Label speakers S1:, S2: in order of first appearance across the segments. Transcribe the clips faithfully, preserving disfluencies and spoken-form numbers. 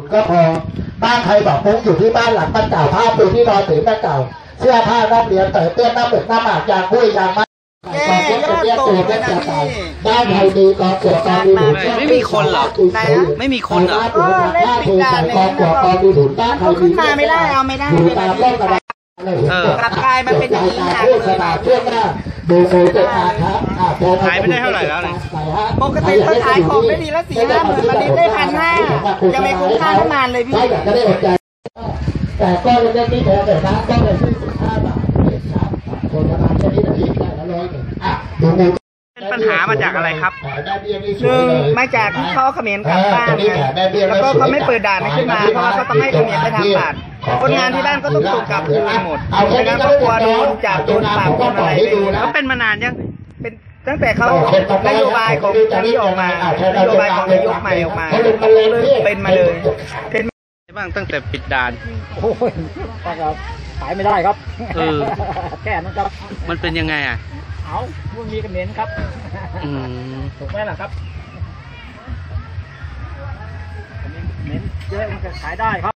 S1: ก็พอบ้านใครบอกมุ้งอยู่ที่บ้านหลังบ้านเก่าผ้าปูที่นอนถือบ้านเก่าเสื้อผ้านักเรียนเต๋อเตี้ยนน้ำหมึกน้ำหมากยางหุ้ยยางมัดกองเตี้ยเตี้ยตัวเตี้ยจะตายบ้านใครดีกองเกิดกองดีหนุน
S2: ไม่มีคนเหรอไม่มีคนเหรอ
S1: เออเล่นปิดด่านเลยกองเกิดกองดีหนุนบ้านใครดี
S3: ขึ้นมาไม่ได้เอาไม่ได้
S1: อยู่ตามร่องกระดาษ
S3: กลับกลายมาเป็นอย่างนี้ค่ะ
S1: เชื่อมหน้าดูโมเดลอาครับ
S2: ขายไม่ได้เท่าไหร่แล้วเนี่ย
S3: ปกติเขาขายของได้ดีละสี่ห้าหมื่นวันนี้ได้พันห้ายังไม่คุ้มค่าน้ำมันเลยพี่
S1: แต่ก็เล่นที่แพงแต่น้ำก็เลยที่สิบห้าบาทครับคนประมาณแค่นี้นะพี่ได้ละร้อยหนึ่งอ่ะดูโม
S2: เป็นปัญหามาจากอะไรครับ
S3: หนึ่งมาจากที่เขาเขมรกลับบ้านแล้วก็เขาไม่เปิดด่านขึ้นมาเพราะว่าเขาต้องให้เขมรไปทำบาตรคนงานที่บ้านก็ต้องถูกกลับคืนหมดไม่งั้นก็กลัวโดนจับโดนปรับโดนอะไร
S2: เขาเป็นมานานยัง
S3: เป็นตั้งแต่เขานโยบายของนี้ออกมานโยบายของนายกใหม่ออกมาเป็นมาเลยเป็น
S2: บ้างตั้งแต่ปิดด่าน
S4: โอ้ยครับขายไม่ได้ครับ
S2: เออ
S4: แค่นั้นครับ
S2: มันเป็นยังไงอ่ะ
S4: เอามันมีกระเหม็นครับ
S2: อืม
S4: ถูกไหมล่ะครับเหม็นเยอะมันก็ขายได้ครับ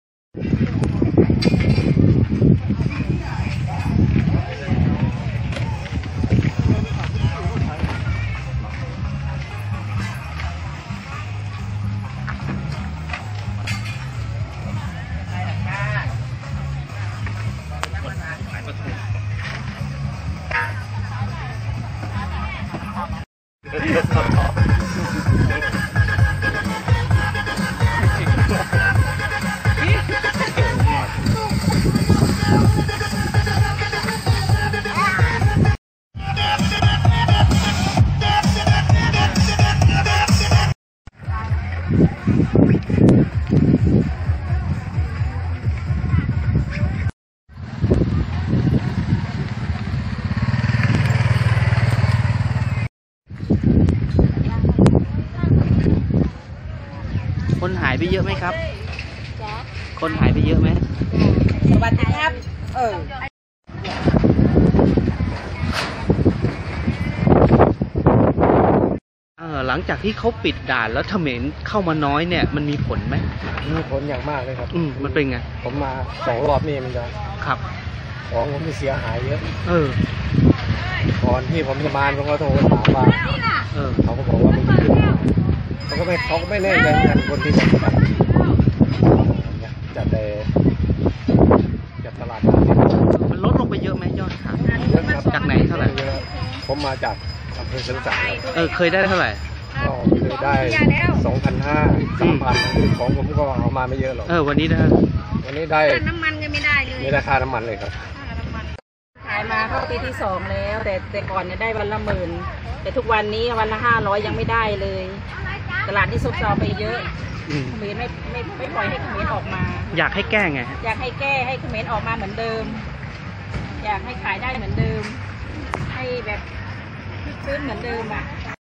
S2: คนหายไปเยอะไหมครับคนหายไปเยอะไหม
S3: สวัสดีครับเออ
S2: เออหลังจากที่เขาปิดด่านแล้วเขมรเข้ามาน้อยเนี่ยมันมีผลไหม
S4: มีผลอย่างมากเลยครับ
S2: อืมมันเป็นไง
S4: ผมมาสองรอบนี่มันจะ
S2: ครับ
S4: ของผมมีเสียหายเยอะ
S2: เออ
S4: ก่อนที่ผมจะมาผมก็โทรถามว่า
S2: เออ
S4: เขาก็บอกว่ามันเขาก็ไม่เขาก็ไม่แน่ใจกันคนที่จะจัดแต่จัดตลาด
S2: มันลดลงไปเยอะไหมยอดขายจากไหนเท่าไหร่
S4: ผมมาจากอำเภอเชียงแสน
S2: เออเคยได้เท่าไหร่
S4: ก็เคยได้สองพันห้าสามพันของผมก็เอามาไม่เยอะหรอก
S2: เออวันนี้นะ
S4: วันนี้ได้
S3: น้ำมันก็ไม่ได้เลย
S4: ไม่ได้ค่าน้ำมันเลยครับ
S3: ขายมาเข้าปีที่สองแล้วแต่แต่ก่อนเนี่ยได้วันละหมื่นแต่ทุกวันนี้วันละห้าร้อยยังไม่ได้เลยตลาดที่ซบเซาไปเยอะเขมรไม่ไม่ไม่ปล่อยให้เขมรออกมา
S2: อยากให้แก้ไง
S3: อยากให้แก้ให้เขมรออกมาเหมือนเดิมอยากให้ขายได้เหมือนเดิมให้แบบซื้อเหมือนเดิมอ่ะ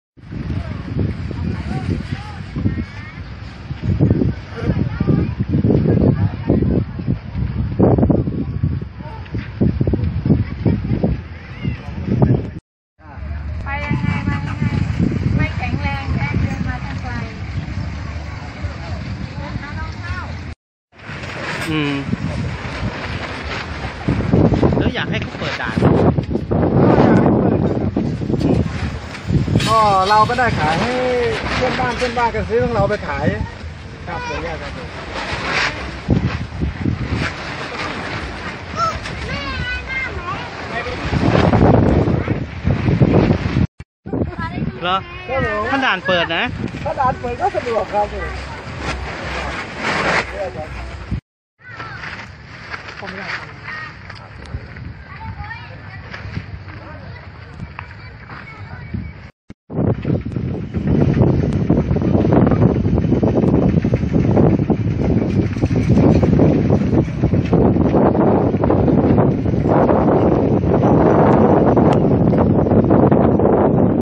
S3: ไปยังไงมายังไงไม่แข็งแรงแค่เดินมาทางไกล
S2: อืมแล้วอยากให้เขาเปิดด่าน
S4: ก็เราก็ได้ขายให้เพื่อนบ้านเพื่อนบ้านกันซื้อของเราไปขายครับอย่างเงี้ยครับ
S2: เหรอถ้าด่านเปิดนะ
S4: ถ้าด่านเปิดก็สะดวกครับผม